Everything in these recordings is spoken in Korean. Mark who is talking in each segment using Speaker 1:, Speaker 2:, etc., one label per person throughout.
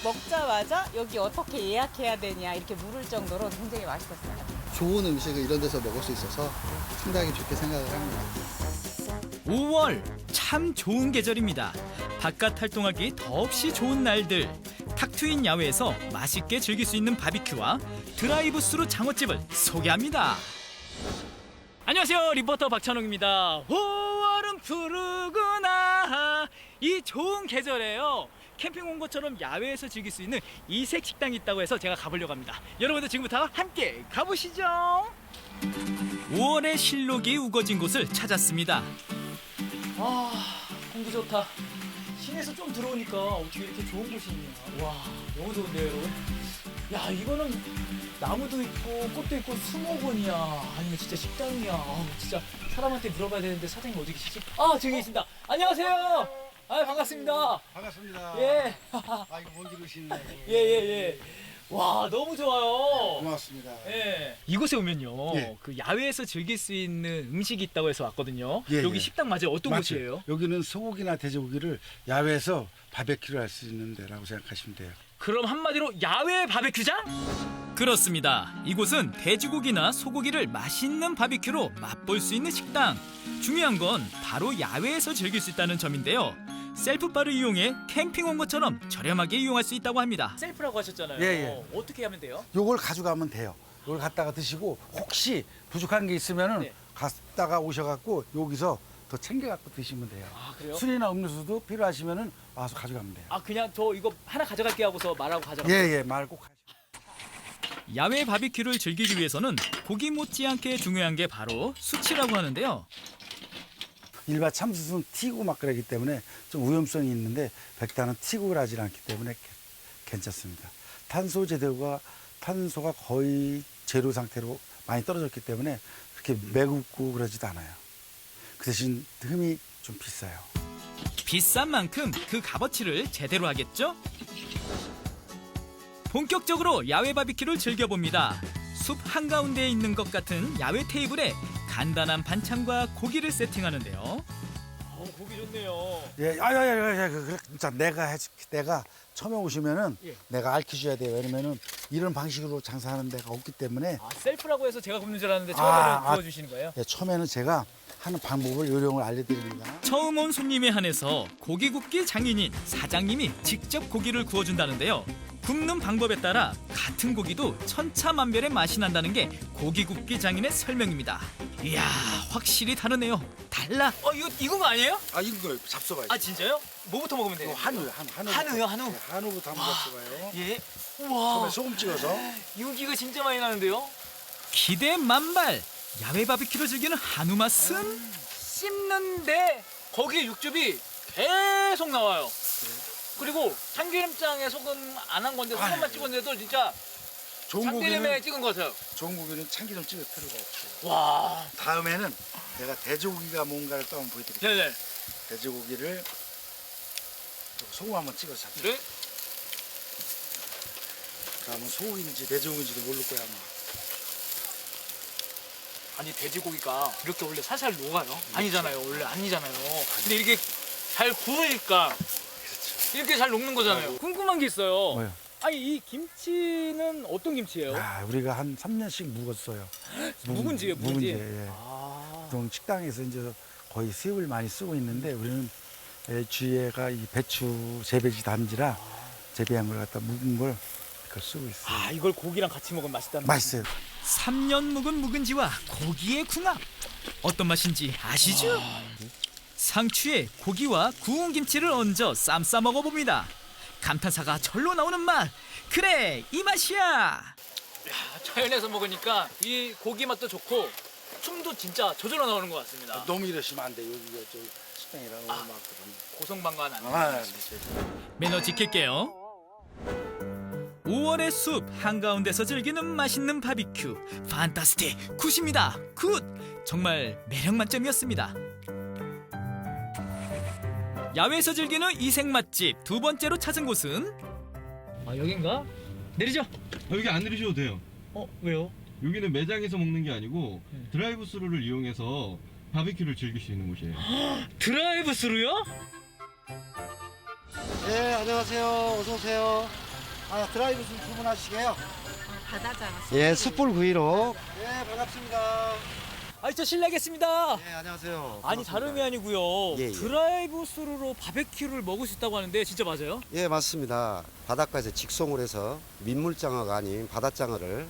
Speaker 1: 먹자마자 여기 어떻게 예약해야 되냐 이렇게 물을 정도로 굉장히 맛있었어요.
Speaker 2: 좋은 음식을 이런 데서 먹을 수 있어서 상당히 좋게 생각을 합니다.
Speaker 3: 5월 참 좋은 계절입니다. 바깥 활동하기 더없이 좋은 날들. 탁 트인 야외에서 맛있게 즐길 수 있는 바비큐와 드라이브스루 장어집을 소개합니다. 안녕하세요, 리포터 박찬웅입니다. 5월은 푸르구나. 이 좋은 계절에요, 캠핑 온 것처럼 야외에서 즐길 수 있는 이색 식당이 있다고 해서 제가 가보려고 합니다. 여러분들 지금부터 함께 가보시죠. 5월의 실록이 우거진 곳을 찾았습니다. 공기 좋다. 시내에서 좀 들어오니까 어떻게 이렇게 좋은 곳이 있냐. 와, 너무 좋은데요, 여러분? 야, 이거는 나무도 있고 꽃도 있고 수목원이야. 아니면 진짜 식당이야. 진짜 사람한테 물어봐야 되는데 사장님 어디 계시지? 저기 계신다. 안녕하세요. 반갑습니다.
Speaker 2: 반갑습니다.
Speaker 3: 예.
Speaker 2: 이거 먼 길 오시네.
Speaker 3: 예. 와, 너무 좋아요.
Speaker 2: 고맙습니다.
Speaker 3: 예. 이곳에 오면요,
Speaker 2: 예.
Speaker 3: 그 야외에서 즐길 수 있는 음식이 있다고 해서 왔거든요.
Speaker 4: 예,
Speaker 3: 여기
Speaker 4: 예.
Speaker 3: 식당 맞아요? 어떤
Speaker 4: 맞죠?
Speaker 3: 곳이에요?
Speaker 4: 여기는 소고기나 돼지고기를 야외에서 바베큐를 할 수 있는 데라고 생각하시면 돼요.
Speaker 3: 그럼 한마디로 야외 바베큐장? 그렇습니다. 이곳은 돼지고기나 소고기를 맛있는 바비큐로 맛볼 수 있는 식당. 중요한 건 바로 야외에서 즐길 수 있다는 점인데요. 셀프바를 이용해 캠핑 온 것처럼 저렴하게 이용할 수 있다고 합니다. 셀프라고 하셨잖아요.
Speaker 4: 예.
Speaker 3: 어떻게 하면 돼요?
Speaker 4: 요걸 가져가면 돼요. 요걸 갖다가 드시고 혹시 부족한 게 있으면은
Speaker 3: 네.
Speaker 4: 갔다가 오셔갖고 여기서 더 챙겨갖고 드시면 돼요.
Speaker 3: 그래요?
Speaker 4: 술이나 음료수도 필요하시면은 와서 가져가면 돼요.
Speaker 3: 그냥 저 이거 하나 가져갈게 하고서 말하고 가져갈게요.
Speaker 4: 예, 말 꼭 하시고.
Speaker 3: 야외 바비큐를 즐기기 위해서는 고기 못지않게 중요한 게 바로 수치라고 하는데요.
Speaker 4: 일반 참숯은 튀고 막 그러기 때문에 좀 위험성이 있는데 백단은 튀고 그러지 않기 때문에 괜찮습니다. 탄소 제대로가 탄소가 거의 제로 상태로 많이 떨어졌기 때문에 그렇게 매굽고 그러지도 않아요. 그 대신 흠이 좀 비싸요.
Speaker 3: 비싼 만큼 그 값어치를 제대로 하겠죠? 본격적으로 야외 바비큐를 즐겨봅니다. 숲 한가운데에 있는 것 같은 야외 테이블에 간단한 반찬과 고기를 세팅하는데요. 고기 좋네요.
Speaker 4: 예, 진짜 내가 해줄게. 내가 처음에 오시면은
Speaker 3: 예.
Speaker 4: 내가 알려줘야 돼요. 왜냐면은 이런 방식으로 장사하는 데가 없기 때문에
Speaker 3: 셀프라고 해서 제가 굽는 줄 알았는데 처음에는 구워주시는 거예요?
Speaker 4: 예, 처음에는 제가 하는 방법을 요령을 알려드립니다.
Speaker 3: 처음 온 손님에 한해서 고기 굽기 장인인 사장님이 직접 고기를 구워준다는데요. 굽는 방법에 따라 같은 고기도 천차만별의 맛이 난다는 게 고기 굽기 장인의 설명입니다. 이야, 확실히 다르네요. 달라. 이거 아니에요?
Speaker 4: 이거 잡숴봐요.
Speaker 3: 진짜요? 뭐부터 먹으면 돼요?
Speaker 4: 한우요.
Speaker 3: 한우요, 한우?
Speaker 4: 네, 한우부터 한번 잡숴봐요.
Speaker 3: 예.
Speaker 4: 처음에
Speaker 3: 우와.
Speaker 4: 소금 찍어서.
Speaker 3: 윤기가 진짜 많이 나는데요? 기대 만발. 야외 바비큐를 즐기는 한우 맛은 씹는데 거기에 육즙이 계속 나와요. 그리고 참기름장에 소금 안 한 건데 소금만 찍었는데도 진짜
Speaker 4: 좋은
Speaker 3: 참기름에
Speaker 4: 고기는
Speaker 3: 찍은 것 같아요.
Speaker 4: 좋은 고기는 참기름 찍을 필요가 없어요.
Speaker 3: 와.
Speaker 4: 다음에는 내가 돼지고기가 뭔가를 또 한번 보여드릴게요.
Speaker 3: 네네.
Speaker 4: 돼지고기를 소금 한번 찍어서 잡죠.
Speaker 3: 네.
Speaker 4: 그러면 소고기인지 돼지고기인지도 모를 거야 아마.
Speaker 3: 아니, 돼지고기가 이렇게 원래 살살 녹아요? 아니잖아요. 원래 아니잖아요. 근데 이렇게 잘 구우니까 이렇게 잘 녹는 거잖아요. 궁금한 게 있어요.
Speaker 4: 뭐요?
Speaker 3: 아니, 이 김치는 어떤 김치예요?
Speaker 4: 우리가 한 3년씩 묵었어요.
Speaker 3: 묵은지예요, 묵은지?
Speaker 4: 묵은지. 예. 보통 식당에서 이제 거의 수입을 많이 쓰고 있는데 우리는 주위에가 이 배추 재배지 단지라 재배한 걸 갖다 묵은 걸 그걸 쓰고 있어요.
Speaker 3: 이걸 고기랑 같이 먹으면 맛있다는
Speaker 4: 맛있어요.
Speaker 3: 3년 묵은 묵은지와 고기의 궁합. 어떤 맛인지 아시죠? 상추에 고기와 구운 김치를 얹어 쌈 싸 먹어봅니다. 감탄사가 절로 나오는 맛. 그래, 이 맛이야. 자연에서 먹으니까 이 고기 맛도 좋고 춤도 진짜 저절로 나오는 것 같습니다.
Speaker 4: 너무 이러시면 안 돼. 여기가 저 식당이라고 막 그런.
Speaker 3: 고성방가는 안 돼.
Speaker 4: 네.
Speaker 3: 매너 지킬게요. 5월의 숲 한가운데서 즐기는 맛있는 바비큐. 판타스틱 굿입니다. 굿! 정말 매력 만점이었습니다. 야외에서 즐기는 이색 맛집 두 번째로 찾은 곳은 여긴가? 내리죠?
Speaker 5: 여기 안 내리셔도 돼요.
Speaker 3: 왜요?
Speaker 5: 여기는 매장에서 먹는 게 아니고 드라이브 스루를 이용해서 바비큐를 즐길 수 있는 곳이에요.
Speaker 3: 드라이브 스루요?
Speaker 2: 네, 안녕하세요. 어서 오세요.
Speaker 4: 드라이브 좀 주문하시게요.
Speaker 1: 바다잖아.
Speaker 6: 예, 숯불 구이로.
Speaker 4: 네, 반갑습니다.
Speaker 3: 아니 저 실례하겠습니다.
Speaker 6: 네, 안녕하세요.
Speaker 3: 아니 다름이 아니고요.
Speaker 6: 예, 예.
Speaker 3: 드라이브 스루로 바베큐를 먹을 수 있다고 하는데 진짜 맞아요?
Speaker 6: 예, 맞습니다. 바닷가에서 직송을 해서 민물장어가 아닌 바다장어를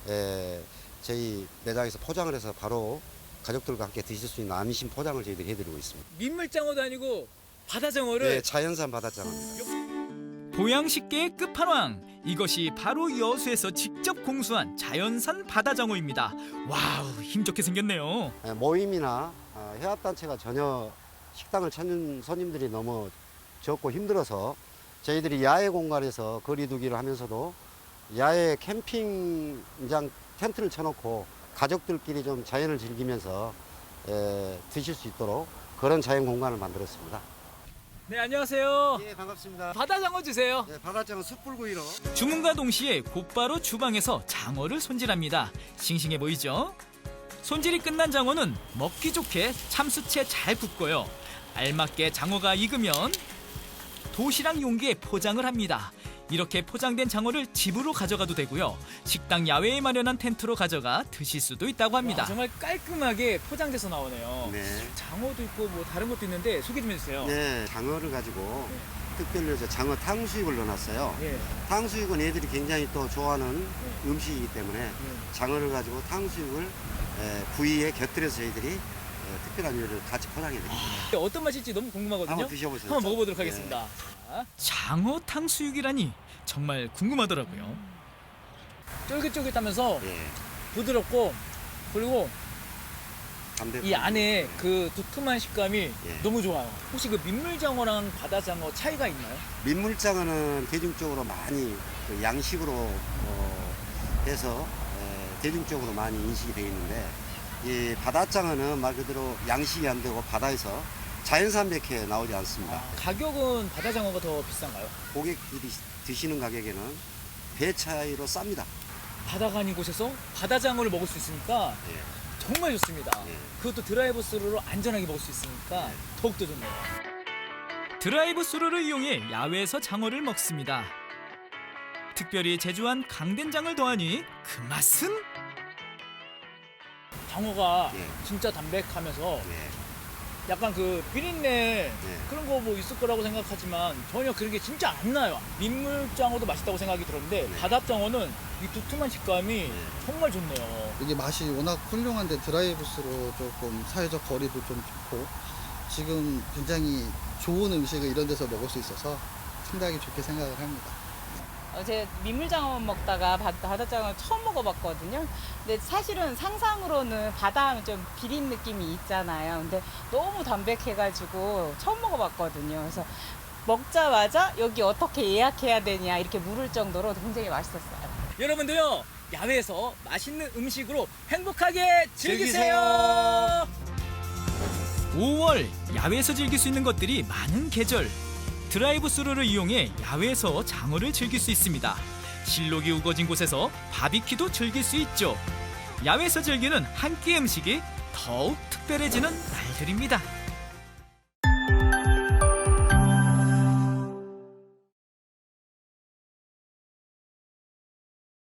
Speaker 6: 저희 매장에서 포장을 해서 바로 가족들과 함께 드실 수 있는 안심 포장을 저희들이 해드리고 있습니다.
Speaker 3: 민물장어도 아니고 바다장어를
Speaker 6: 네, 자연산 바다장어입니다.
Speaker 3: 보양식계의 끝판왕. 이것이 바로 여수에서 직접 공수한 자연산 바다장어입니다. 와우, 힘좋게 생겼네요.
Speaker 6: 모임이나 해합단체가 전혀 식당을 찾는 손님들이 너무 적고 힘들어서 저희들이 야외 공간에서 거리두기를 하면서도 야외 캠핑장 텐트를 쳐놓고 가족들끼리 좀 자연을 즐기면서 드실 수 있도록 그런 자연 공간을 만들었습니다.
Speaker 3: 네, 안녕하세요.
Speaker 6: 예, 반갑습니다.
Speaker 3: 바다장어 주세요.
Speaker 6: 네, 바다장어 숯불구이로.
Speaker 3: 주문과 동시에 곧바로 주방에서 장어를 손질합니다. 싱싱해 보이죠? 손질이 끝난 장어는 먹기 좋게 참숯에 잘 굽고요. 알맞게 장어가 익으면 도시락 용기에 포장을 합니다. 이렇게 포장된 장어를 집으로 가져가도 되고요. 식당 야외에 마련한 텐트로 가져가 드실 수도 있다고 합니다. 정말 깔끔하게 포장돼서 나오네요.
Speaker 6: 네.
Speaker 3: 장어도 있고 뭐 다른 것도 있는데 소개 좀 해주세요.
Speaker 6: 네, 장어를 가지고 특별히 이제 장어 탕수육을 넣어놨어요.
Speaker 3: 예.
Speaker 6: 탕수육은 애들이 굉장히 또 좋아하는 음식이기 때문에 장어를 가지고 탕수육을 구이에 곁들여서 저희들이 특별한 요리를 같이 포장해드립니다.
Speaker 3: 어떤 맛일지 너무 궁금하거든요.
Speaker 6: 한번 드셔보세요.
Speaker 3: 한번 먹어보도록 하겠습니다. 자, 장어 탕수육이라니 정말 궁금하더라고요. 쫄깃쫄깃하면서
Speaker 6: 예,
Speaker 3: 부드럽고 그리고
Speaker 6: 담백한
Speaker 3: 이 안에
Speaker 6: 예.
Speaker 3: 그 두툼한 식감이
Speaker 6: 예.
Speaker 3: 너무 좋아요. 혹시 그 민물장어랑 바다장어 차이가 있나요?
Speaker 6: 민물장어는 대중적으로 많이 그 양식으로 해서 대중적으로 많이 인식이 되어 있는데 이 바다장어는 말 그대로 양식이 안 되고 바다에서 자연산 백회 나오지 않습니다.
Speaker 3: 가격은 바다장어가 더 비싼가요?
Speaker 6: 고객들이 드시는 가격에는 배 차이로 쌉니다.
Speaker 3: 바다가 아닌 곳에서 바다장어를 먹을 수 있으니까
Speaker 6: 예.
Speaker 3: 정말 좋습니다.
Speaker 6: 예.
Speaker 3: 그것도 드라이브 스루로 안전하게 먹을 수 있으니까 더욱더 좋네요. 드라이브 스루를 이용해 야외에서 장어를 먹습니다. 특별히 제조한 강된장을 더하니 그 맛은? 장어가
Speaker 6: 예.
Speaker 3: 진짜 담백하면서
Speaker 6: 예.
Speaker 3: 약간 그 비린내 그런 거 뭐 있을 거라고 생각하지만 전혀 그런 게 진짜 안 나요. 민물장어도 맛있다고 생각이 들었는데
Speaker 6: 네.
Speaker 3: 바다장어는 이 두툼한 식감이 정말 좋네요.
Speaker 2: 이게 맛이 워낙 훌륭한데 드라이브스로 조금 사회적 거리도 좀 좋고 지금 굉장히 좋은 음식을 이런 데서 먹을 수 있어서 상당히 좋게 생각을 합니다.
Speaker 1: 어제 민물장어만 먹다가 바다장어 처음 먹어봤거든요. 근데 사실은 상상으로는 바다 하면 좀 비린 느낌이 있잖아요. 근데 너무 담백해가지고 처음 먹어봤거든요. 그래서 먹자마자 여기 어떻게 예약해야 되냐 이렇게 물을 정도로 굉장히 맛있었어요.
Speaker 3: 여러분도요, 야외에서 맛있는 음식으로 행복하게 즐기세요. 5월 야외에서 즐길 수 있는 것들이 많은 계절. 드라이브 스루를 이용해 야외에서 장어를 즐길 수 있습니다. 실록이 우거진 곳에서 바비큐도 즐길 수 있죠. 야외에서 즐기는 한 끼 음식이 더욱 특별해지는 날들입니다.